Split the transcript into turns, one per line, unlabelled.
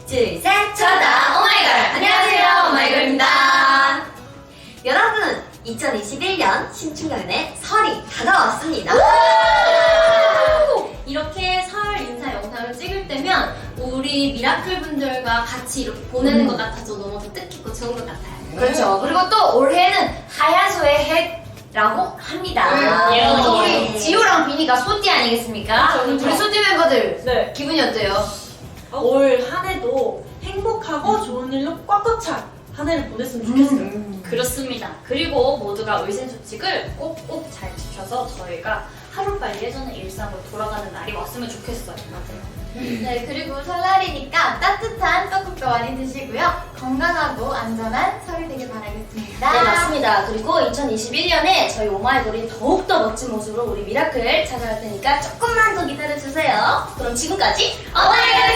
둘, 셋! 저다 오마이걸! 안녕하세요, 오마이걸입니다. 여러분, 2021년 신축년의 설이 다가왔습니다.
이렇게 설 인사 영상을 찍을 때면 우리 미라클 분들과 같이 이렇게 보내는 것 같아서 너무 뜻깊고 좋은 것 같아요.
그렇죠. 그리고 또 올해는 하야소의 해라고 합니다. 또 우리 지호랑 비니가 소띠 아니겠습니까? 우리 소띠 멤버들
네.
기분이 어때요?
올 한 해도 행복하고 좋은 일로 꽉꽉 찬 한 해를 보냈으면 좋겠어요.
그렇습니다. 그리고 모두가 위생수칙을 꼭꼭 잘 지켜서 저희가 하루빨리 예전의 일상으로 돌아가는 날이 왔으면 좋겠어요.
네, 그리고 설날이니까 따뜻한 떡국도 많이 드시고요. 건강하고 안전한 설이 되길 바라겠습니다.
네, 맞습니다. 그리고 2021년에 저희 오마이걸이 더욱더 멋진 모습으로 우리 미라클 찾아갈 테니까 조금만 더 기다려주세요. 그럼 지금까지 오마이걸!